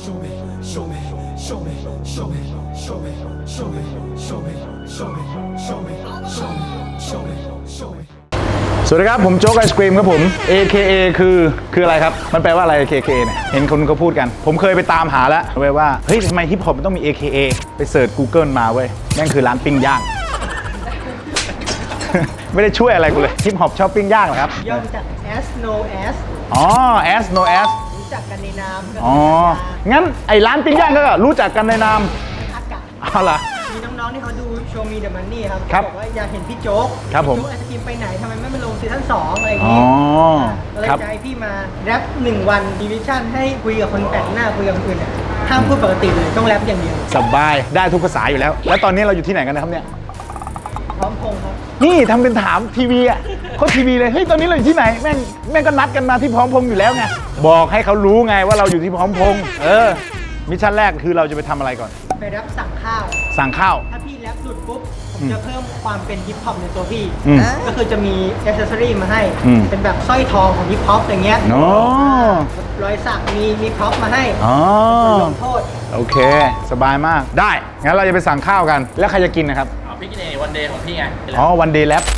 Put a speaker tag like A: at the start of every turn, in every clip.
A: show me, show me, show me, show me, show me, show me, show me, show me, show me, show me, show me, show me.
B: สวัสดีครับผมโจ๊กไอศกรีมครับผม AKA คืออะไรครับมันแปลว่าอะไร AKA เนี่ยเห็นคนเขาพูดกันผมเคยไปตามหาแล้วว่าเฮ้ยทำไมฮิปฮอปมันต้องมี AKA ไปเสิร์ช Google มาเว้ยแม่งคือร้านปิ้งย่าง ไม่ได้ช่วยอะไรกูเลยฮิปฮอปชอบปิ้งย่างเหรอครับ
C: ย่อมาจาก as no as
B: อ๋อ as no as
C: รู้จักกันในนาม
B: อ๋องั้นไอ้ร้านปิ้งย่างก็รู้จักกันในนาม
C: อากาศ
B: เอาล่ะ
C: มีน้องๆที่เขาดูโชว์มีเดอะมันนี่ครับ
B: ครับ
C: บอกว่าอยากเห็นพี่โจ๊ก
B: ครับผม
C: พี่โจ๊กไอศกรีมไปไหนทำไมไม่มาลงซีซั่น2อะไรอย่าง
B: อ๋อ
C: งี้ก็เลย
B: ครับ
C: จะให้พี่มาแรป1 วันมีวิชั่นให้คุยกับคนแปลกหน้าคุยกับคนอื่นเนี่ยห้ามพูดปกติเลยต้องแรปอย่างเดียว
B: สบายได้ทุกภาษาอยู่แล้ว แล้วตอนนี้เราอยู่ที่ไหนกันนะครับเนี่ย
C: พร้อมพงษ์ครับ
B: นี่ทำเป็นถามทีวีอ่ะเขาทีวีเลยเฮ้ยตอนนี้เราอยู่ที่ไหนแม่งก็นัดกันมาที่พร้อมพงษ์อยู่แล้วไงบอกให้เขารู้ไงว่าเราอยู่ที่พร้อมพงษ์มิชชั่นแรกคือเราจะไปทำอะไรก่อน
C: ไปแรปสั่งข้าว
B: สั่งข้าว
C: ถ้าพี่แรปหลุดปุ๊บผมจะเพิ่มความเป็นฮิปฮอปในตัวพี่
B: อืม
C: ก็คือจะมีอ c เซสซอรี่มาให้
B: อืม
C: เป็นแบบสร้อยทองของฮิปฮอปอย่างเงี้ย
B: อ๋อ
C: รอยสักมีพร็อพมาให้
B: อ๋อ
C: ลงโทษ
B: โอเค สบายมากได้งั้นเราจะไปสั่งข้าวกันแล้วใครจะกินนะครับ
D: เอาพี่กินเองวันเดย์ของพี่ไง
B: อ๋อวันเดย์แลบ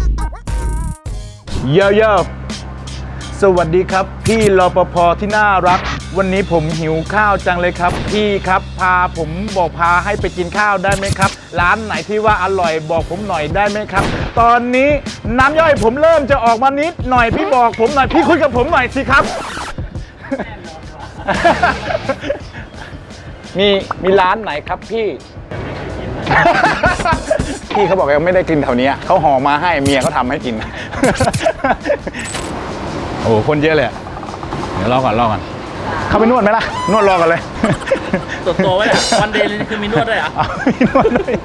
B: เยอะสวัสดีครับ พี่รปภที่น่ารัก วันนี้ผมหิวข้าวจังเลยครับ พี่ครับพาให้ไปกินข้าวได้ไหมครับ ร้านไหนที่ว่าอร่อยบอกผมหน่อยได้ไหมครับ ตอนนี้น้ำย่อยผมเริ่มจะออกมานิดหน่อยพี่บอกผมหน่อยพี่คุยกับผมหน่อยสิครับ มีร้านไหนครับพี่ พี่เขาบอกยังไม่ได้กินแถวนี้เขาห่อมาให้เมียเขาทำให้กิน โอ้โหคนเยอะเลยอะเดี๋ยวรอก่อนเข้าไปนวดไหมล่ะนวดรอก่อนเลย
D: ตัวไว้แหละวันเดย์นี่คือมีนวดด้วยเหรอ
B: เอามีนวดด้วย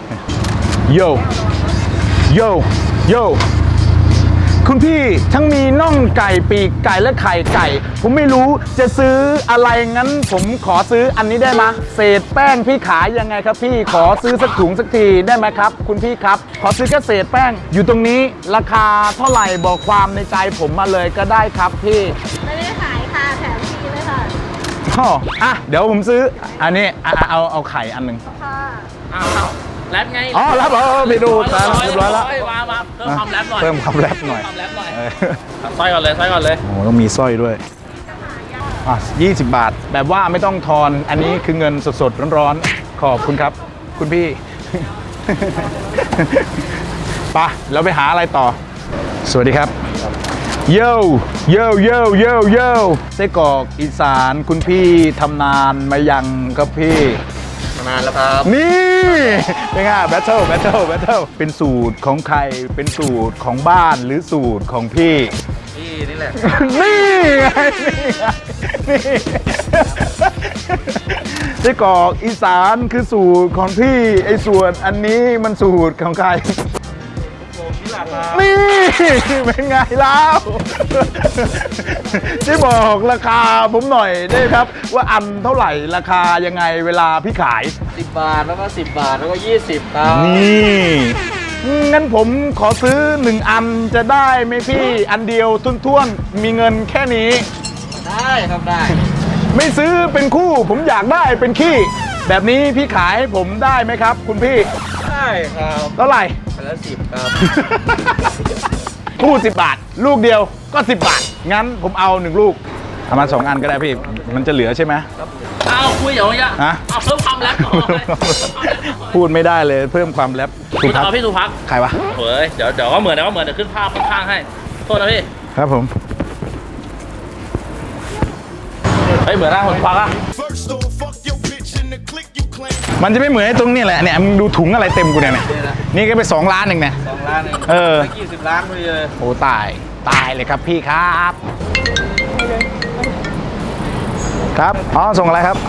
B: โยคุณพี่ทั้งมีน่องไก่ปีกไก่และไข่ไก่ ผมไม่รู้จะซื้ออะไรงั้นผมขอซื้ออันนี้ได้ไหมเศษแป้งพี่ขายยังไงครับพี่ขอซื้อสักถุงสักทีได้ไหมครับ คุณพี่ครับ ขอซื้อแค่เศษแป้งอยู่ตรงนี้ราคาเท่าไหร่บอกความในใจผมมาเลยก็ได้ครับพี่
E: ไม่ได้ขายค่ะแถมฟรีเลยค่ะ
B: อ๋ออ่ะเดี๋ยวผมซื้ออันนี้เอาไข่อันหนึ่ง
E: ค่ะ
D: อ้าวแรปไง
B: อ๋อรับไปดูตามเรียบร้อยแล้ว
D: มาเพิ่มความแรปหน่อย
B: เพิ่มความแรปหน่อย
D: เพิ่มความแรปหน่อย
B: เออ
D: สร้อยก่อนเลย
B: โอ้โหต้องมีสร้อยด้วยอ่ะ20 บาท แบบว่าไม่ต้องทอน อันนี้คือเงินสดๆร้อนๆ ขอบคุณครับ คุณพี่ ไปเราไปหาอะไรต่อ สวัสดีครับ โย่ไส้กรอกอีสานคุณพี่ทำนานมายังครับพี่
D: นานแล้วครับ
B: นี่เป็นไงแบทเทิลเป็นสูตรของใครเป็นสูตรของบ้านหรือสูตรของพี่
D: พี่นี่แหละ
B: นี่ไงนี่ไส้กรอกอีสานคือสูตรของพี่ไอ้ส่วนอันนี้มันสูตรของใคร
D: ผมนี่แหละครับ
B: นี่เป็นไงแล้วช่วยบอกราคาผมหน่อยได้ครับ ว่าอันเท่าไหร่ราคายังไงเวลาพี่ขาย
D: 10 บาทแล้วก็10 บาทแล้วก็20ครับ
B: นี่งั้นผมขอซื้อ1 อันจะได้ไหมพี่อันเดียวทุ่นๆมีเงินแค่นี้
D: ได้ครับได้
B: ไม่ซื้อเป็นคู่ผมอยากได้เป็นขี้แบบนี้พี่ขายให้ผมได้ไหมครับ คุณพี่
D: ได้ครับ
B: เท่าไหร่
D: ไปแล้ว10ครับ
B: คู่10 บาท ลูกเดียวก็10 บาท งั้นผมเอา1 ลูกเอามา2 อันก็ได้พี่มันจะเหลือใช่ไหม
D: เอาคุยอย่างเงี้ย
B: ฮะ
D: เอาเพิ่มความแรปหน่อย
B: พูดไม่ได้เลยเพิ่มความแรป
D: คุ
B: สุ
D: ณ
B: ภั
D: เอาพี่สุภัก
B: ใครวะ
D: เฮ้ยเดี๋ยวก็เหมือนเดี๋ยวขึ้นภาพข้างๆให้โทษนะพี่
B: ครับผม
D: เฮ้ยเหมือนนะผมฟักอะ
A: First don't fuck your bitch in the click you claim.
B: มันจะไม่เหมือนไอ้ตรงนี้แหละเนี่ยมึงดูถุงอะไรเต็มกูเนี่ยนี่ก็ไป2 ล้านเองเนี่ย
D: 2 ล้านเอง
B: เออ
D: ไม่กี่10 ล้านพอดีเลย
B: โอ้ตายเลยครับพี่ครับ ครับอ๋อส่งอะไรครับ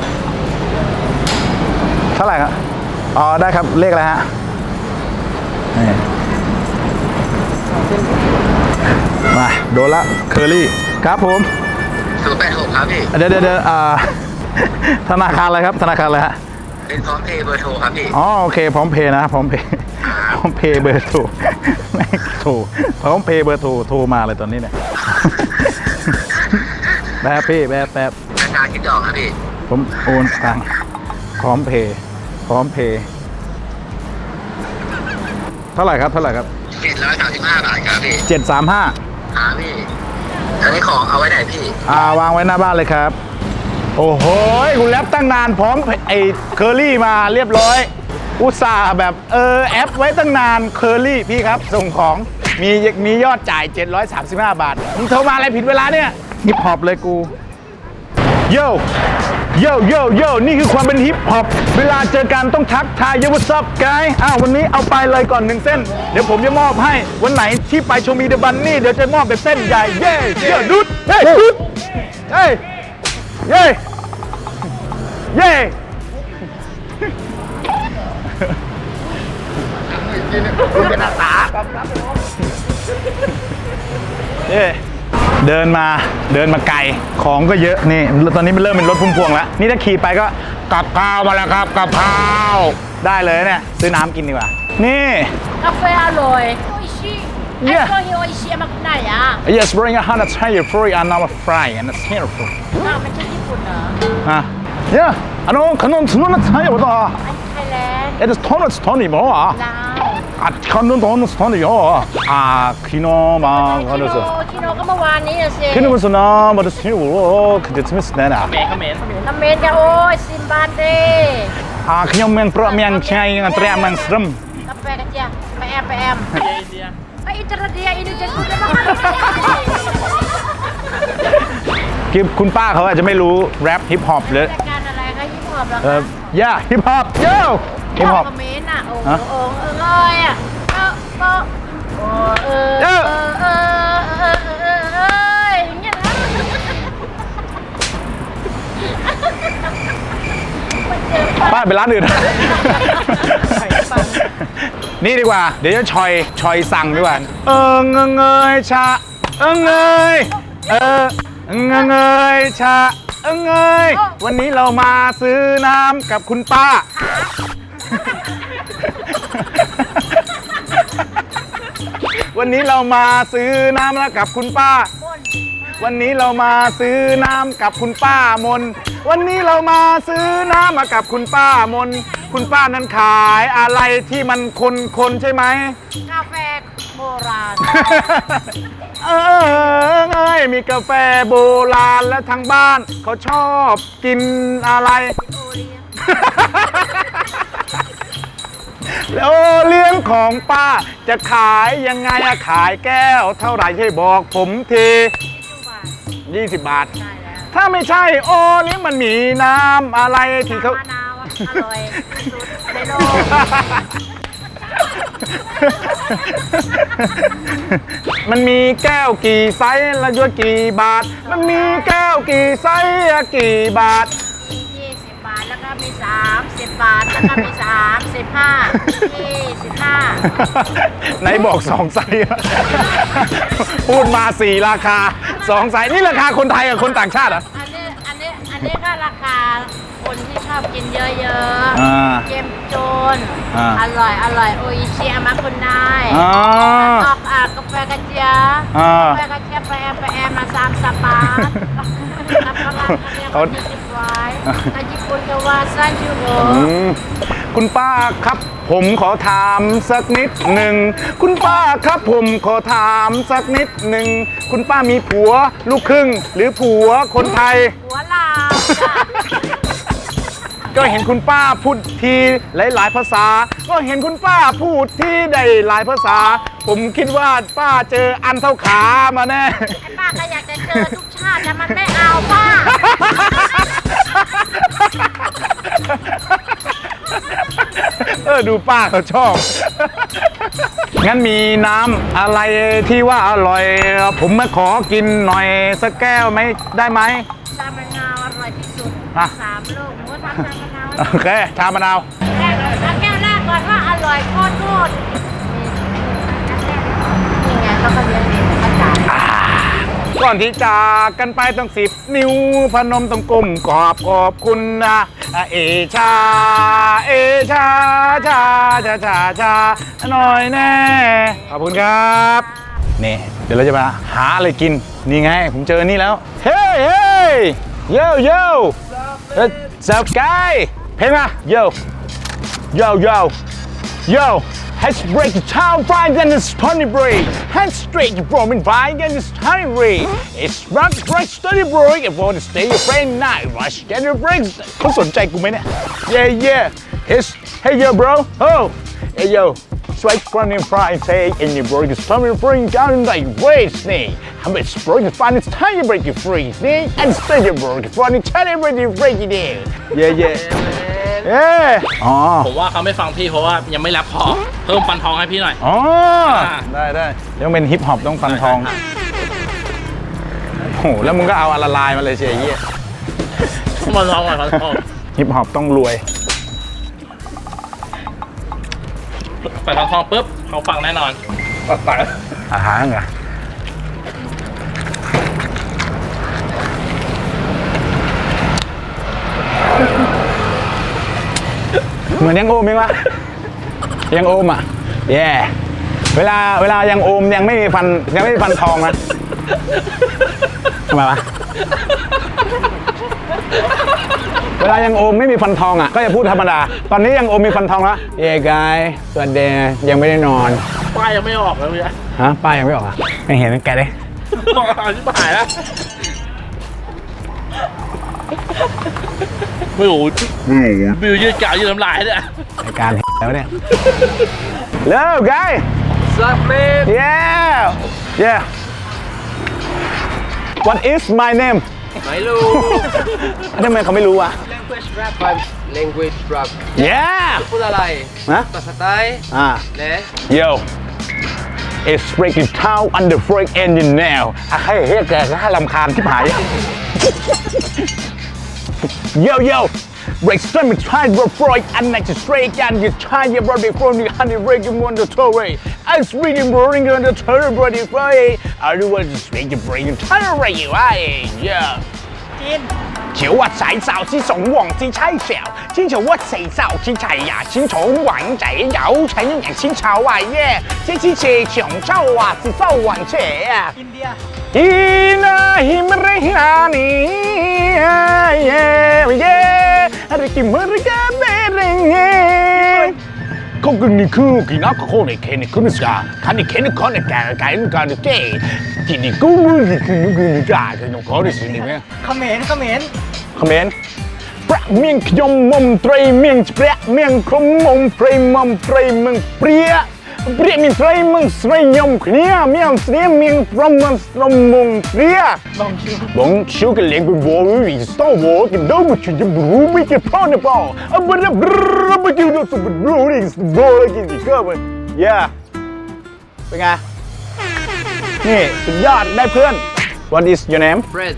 B: เท่าไหร่ครับอ๋อได้ครับเลขอะไรฮะนี่มาโดนละเคอรี่ครับผม
F: 086ครับพี่
B: เดี๋ยวธนาคารอะไรครับธนาคารอะไรฮะ
F: เป็นพร้อมเพย์เบอร์โทรครับพี่
B: อ๋อโอเคพร้อมเพย์นะพร้อมเพย์พร้อมเพย์เบอร์โทรแม่งโทรพร้อมเพย์เบอร์โทรมาเลยตอนนี้เนี่ยแป๊บพี่แป๊บ
F: นชาคิดดอกครับพี่
B: ผมโอนตังค์พร้อมเพย์เท่าไหร่ครับ
F: 735 บาทครับพี่
B: 735
F: ครับพี่อันนี้ของเอาไว้ไหนพี่
B: วางไว้หน้าบ้านเลยครับ โอ้โหคุณแรปตั้งนานพร้อมไอ้เคอรี่มาเรียบร้อย อุตส่าห์แบบแอปไว้ตั้งนานเคอรี่พี่ครับ ส่งของมียอดจ่าย 735 บาทมึงโทรมาอะไรผิดเวลาเนี่ยฮิปฮอปเลยกูโย่นี่คือความเป็นฮิปฮอปเวลาเจอกันต้องทักทายยูวัสซับไกด์วันนี้เอาไปเลยก่อน1เส้นเดี๋ยวผมจะมอบให้วันไหนที่ไปโชว์มีเดอะบันนี่เดี๋ยวจะมอบเป็นเส้นใหญ่เย่ดุดเฮ้ยดุดเฮ้ยเย่คุณเป็นอาสาเดินมาไกลของก็เยอะนี่ตอนนี้มันเริ่มเป็นรถพุ่มพวงแล้วนี่ถ้าขี่ไปก็กับข้าวมาแล้วครับกับข้าวได้เลยเนี่ยซื้อน้ำกินดีกว่านี่
E: กาแฟอร่อยโออิชิ
B: Yeah.
E: ไอ้โออิชิมาคุณไหนอ่ะ
B: Yes bring 100 free and now fry and it's here for
E: อ้าวมันใช่ญี่ปุ่นเหรอ
B: Yeahขนมไทยบ่
E: อันไทยแลนด์
B: It is 톤이 뭐
E: ลาว
B: 톤이요 키노마
E: คิโนก็เมื่อวานนี้อะสิ
B: 키노 무슨 뭐도 쓰고 근데 스미스 내나
D: เขมร
E: น้ำเมนกันโอ้ยซิมบานเด้
B: 그냥 면 프로 면 차이 트레만 스름
E: กาแฟกระเจี๊ยบไปแอม
D: อินเดีย
E: ไอ้อินเตอร์เดียอินเดียคุณจะมา
B: คือคุณป้าเขาอาจจะไม่รู้แรปฮิปฮอปหรือ
E: รายการอะไรคะฮิปฮอปเหรอคะ
B: yeah ฮิปฮอปโย่ฮิปฮอป
E: คอมเมนต์อ่ะโอ้โหเอ้ยอ่ะอย่างเงี้ยนะ
B: ป้าไปร้านอื่น นี่ดีกว่า เดี๋ยวจะชอยสั่งดีกว่าเงยชาเงยเงยชาเงยวันนี้เรามาซื้อน้ำกับคุณป้า วันนี้เรามาซื้อน้ำแล้วกับคุณป้า วันนี้เรามาซื้อน้ำกับคุณป้ามนวันนี้เรามาซื้อน้ำมากับคุณป้ามนคุณป้านั้นขายอะไรที่มันคนใช่ไหม
E: กาแฟโบราณ
B: มีกาแฟโบราณและทางบ้านเขาชอบกินอะไร แล้วเลี้ยงของป้าจะขายยังไงอะขายแก้วเท่าไหร่ให้บอกผมที20 บาท ถ้าไม่ใช่โอนี่มันมีน้ำอะไรที่เขา
E: มะนาวอร่อยสุดในโลก
B: มันมีแก้วกี่ไซส์และด้วยกี่บาท มันมีแก้วกี่ไซส์กี่บาท
E: มี20 บาทแล้วก็มี30 บาทแล้วก็มี25
B: ไหนบอก2 ไซส์ พูดมา4 ราคา2 ไซส์นี่ราคาคนไทยกับคนต่างชาติเหรอ
E: อันนี้ก็ราคาคนที่ชอบกินเยอะๆเจมโจนอร่อยโออิชิอามาคุณนายออกกาแฟกระเจี๊ยบกาแฟกระเจี๊ยบไปแอมมา30 บาทรับพลังเนี่ยเขา20 ไว้ถ้าญี่ปุ่นก็ว่า30 ยูโร
B: คุณป้าครับผมขอถามสักนิดหนึ่งคุณป้าครับผมขอถามสักนิดหนึ่งคุณป้ามีผัวลูกครึ่งหรือผัวคนไทย
E: หัวลาว
B: ก็เห็นคุณป้าพูดทีหลายภาษา ก็เห็นคุณป้าพูดที่ได้หลายภาษา ผมคิดว่าป้าเจออันเท่าขามาแน่
E: ไอ้ป้าก็อยากจะเจอทุกชาติแต่มันไม่เอาป้า
B: ดูป้าเขาชอบ งั้นมีน้ำอะไรที่ว่าอร่อย ผมมาขอกินหน่อยสักแก้วไหมได้ไหม
E: ชามะนาวอร่อยที่สุด
B: อ่ะ
E: 3 ลูกหมูทำชามะนาว
B: โอเค ชามะนาว
E: แก้วแรกก่อนว่าอร่อยโคตรนี่ไงเขาก็เลี้ยงเองเขาจ่าย
B: ก่อนที่จากกันไปต้อง10 นิ้วพนมต้องก้มขอบคุณนะเอชาหน่อยแน่ขอบคุณครับนี่เดี๋ยวเราจะมาหาอะไรกินนี่ไงผมเจอนี่แล้วเฮ้ย Yo yo What's up guy เพลงมา Yo Yo yo Yo Let's break the town fine and it's funny break Hands straight you from in fine and it's honey break It's rock break study break and for the stay your friend night rush get your breaks เขาสนใจกูไหมเนี่ย Yeah yeah It's Hey yo bro Oh Hey yo Straight from in fine say in your break is coming free down in like waves knee How much break is fine it's time you break it free knee and stay your break funny tell you break you break it in Yeah yeah เอ๊อ๋อ
D: ผมว่าเขาไม่ฟังพี่เพราะว่ายังไม่แรปพอเพิ่มฟันทองให้พี่หน่อย
B: อ๋อ ได้ต้องเป็นฮิปฮอปต้องฟันทอง โห แล้วมึงก็เอาละลายมาเลยเชียร์ยี่
D: ฟันทองหน่อยฟันทอง
B: ฮิปฮอปต้องรวย
D: ใส่ฟันทองปุ๊บเขาฟังแน่นอนตัดสาย
B: อาหารเหรอเหมือนยังโอมยังวะยังโอมอ่ะแย่เวลายังโอมยังไม่มีฟันทองนะทำไมวะเวลายังโอมไม่มีฟันทองอ่ะก็จะพูดธรรมดาตอนนี้ยังโอมมีฟันทองแล้วเย้กายสวัสดียังไม่ได้นอน
D: ป้ายยังไม่ออกเลยพี่
B: ฮะป้ายยังไม่ออกอ่ะไม่เห็นแกเลย
D: ชิบหายแล้วไม่รู้บิวยืดกาวยืดน้ำลายเนี่ย
B: รายการแล้วเนี่ยเร็ว guy
D: Sup man
B: yeah What is my name
G: ไม่รู้
B: ทำไมเขาไม่รู้วะ
G: language rap
B: yeah
G: พูดอะไร
B: ฮะ
G: ภาษาไทย และ
B: Yo It's breaking town under break engine now ให้เฮ้ยแกก็ให้รำคาญที่หาย Yo Break straight and try to Freud and next straight and you try your body from the honey breaking on the toy I'm speaking boring on the toy body Freud I do want to speak your brain and try to break you yeah
C: จีน
B: 求我仔手之總王之妻小，先求我死手之齊呀，先從王仔有請人先籌啊耶，這次是長洲啊是收雲車啊。
C: อินเดีย
B: Ina himrehani yeah Riki murga berenge Kokuni kuki naka kone kene kunuska Kani kene kone kare kare kare ke Kini kumu kunu kunu ka kunu kore sini me
C: เขมร
B: คอมเมนต์ประเมียงขยมมมไตรเมียงเปรี้ยเมียงคมมมไตรมมไตรมึงเปรี้ยเปรี้ยมีไตรมึงไตรยมเนี้ยเมียงเสียเมียงพรมมันตรมมงเปรี้ยบงชิวกันเลี้ยงกันวัววิสต์วัวกันดูมันจะบรูไม่จะพ่อเนี่ยพ่ออ่ะบรูบรูไม่จะดูสุดบรูนี่สุดบรูเลยกินกี่ก็มันเป็นไงนี่สุดยอดได้เพื่อน What is your name?
G: Fred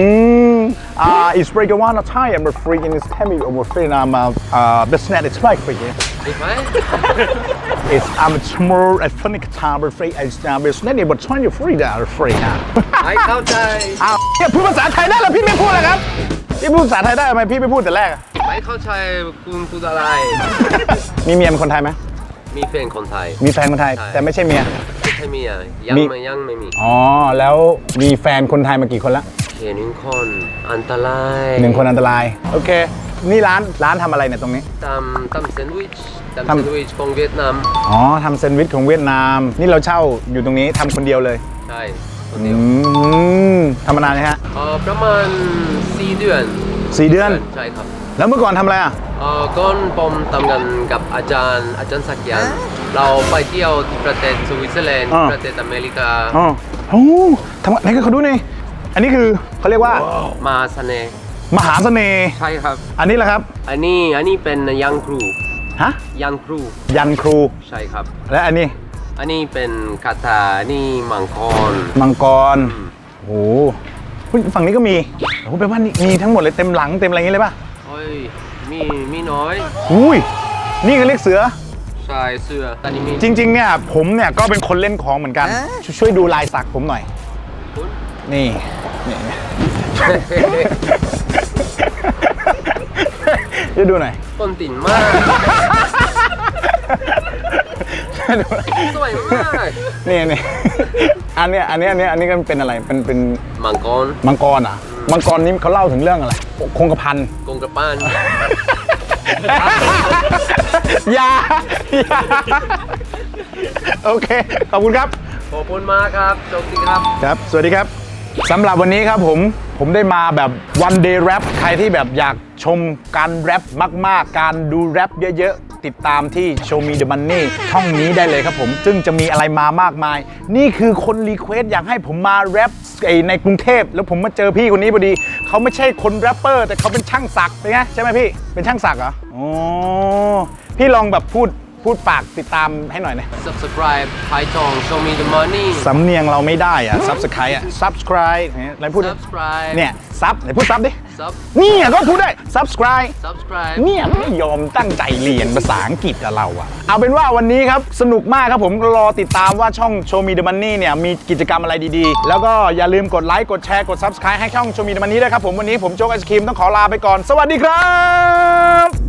B: It's break one time I'm freaking is coming over free I'm business it's like for you
G: ใช่ไหม
B: It's I'm small at funny time but free it's business but 20 free that free now
G: ไม่เข้าใจ
B: อ้าวเนี่ยพูดภาษาไทยได้แล้วพี่ไม่พูดเลยครับพี่พูดภาษาไทยได้ทำไมพี่ไม่พูดแต่แรก
G: ไม่เข้าใจคุณพูดอะไร
B: มีเมียเป็นคนไทยไหม
G: มีแฟนคนไทย
B: มีแฟนคนไทยแต่ไม่ใช่เมีย
G: ไม่ใช่เมียยัง
B: มี
G: ไม่มี
B: อ๋อแล้วมีแฟนคนไทยมากี่คนละ
G: เขียนหนึ่งคนอันตราย
B: 1 คนอันตรายโอเคนี่ร้านทำอะไรเนี่ยตรงนี้
G: ทำแซนด์วิชของเวียดนาม
B: อ๋อทำแซนด์วิชของเวียดนามนี่เราเช่าอยู่ตรงนี้ทำคนเดียวเลย
G: ใช่คนเดียว
B: ทำมานานไหมฮะ
G: ประมาณ4 เดือน
B: 4 เดือน
G: ใช่ครับ
B: แล้วเมื่อก่อนทำอะไรอ่ะ
G: ก่อนผมทำงานกับอาจารย์สักยันเราไปเที่ยวที่ประเทศสวิตเซอร์แลนด์ประเทศอเมริกา
B: อ๋อโอ้ทำไหนก็เขาดูนี่อันนี้คือเขาเรียกว่า
G: มาเสน่ห์
B: มหาเสน่ห์
G: ใช่ครับ
B: อันนี้แหละครับ
G: อันนี้เป็นยันครู
B: ฮะ
G: ยันครู
B: ยันครู
G: ใช่ครับ
B: และอันนี้
G: อันนี้เป็นคาถาอันนี้มังกร
B: มังกรโอ้โหฝั่งนี้ก็มีโอ้โหแปลว่านี่มีทั้งหมดเลยเต็มหลังเต็มอะไรอย่างนี้เลยป่ะ
G: โอ้ยมีน้อย
B: อุ้ยนี่เขาเรียกเสือ
G: ใช่เสื้ออันนี้มี
B: จริงๆเนี่ยผมเนี่ยก็เป็นคนเล่นของเหมือนกันช่วยดูลายสักผมหน่อย
G: คุณ
B: นี่จะดูหน่อย
G: ต้นติ่นมากสวยมาก
B: นี่อันนี้ก็เป็นอะไรเป็น
G: มังกร
B: มังกรอ่ะมังกรนี้เขาเล่าถึงเรื่องอะไรคงกระพัน
G: กงกระป้าน
B: อย่าโอเค ขอบคุณครับ
G: ขอบคุณมากครับโชคดีครับ
B: ครับ สวัสดีครับ สำหรับวันนี้ครับผมได้มาแบบ one day rap ใครที่แบบอยากชมการแรปมากๆ การดูแรปเยอะๆ ติดตามที่ Show Me the Money ช่องนี้ได้เลยครับผม ซึ่งจะมีอะไรมามากมาย นี่คือคนรีเควสอยากให้ผมมาแรปในกรุงเทพแล้วผมมาเจอพี่คนนี้พอดี เขาไม่ใช่คนแรปเปอร์แต่เขาเป็นช่างสักเป็นไงใช่ไหมพี่ เป็นช่างสักเหรออ๋อพี่ลองแบบพูดฝากติดตามให้หน่อยนะ
G: subscribe ไทยทอง show me the money
B: สำเนียงเราไม่ได้อะ subscribe อะ subscribe อะไรพูดดิ
G: subscribe
B: เนี่ยซับไหนพูดซับดิ
G: sub
B: เนี่ยก็พูดได้ subscribe
G: subscribe
B: เนี่ยไม่ยอมตั้งใจเรียนภาษาอังกฤษกับเราอะเอาเป็นว่าวันนี้ครับสนุกมากครับผมรอติดตามว่าช่อง Show Me the Money เนี่ยมีกิจกรรมอะไรดีๆ แล้วก็อย่าลืมกดไลค์กดแชร์กด subscribe ให้ช่อง Show Me the Money ด้วยครับผมวันนี้ผมโจ๊กไอศครีมต้องขอลาไปก่อนสวัสดีครับ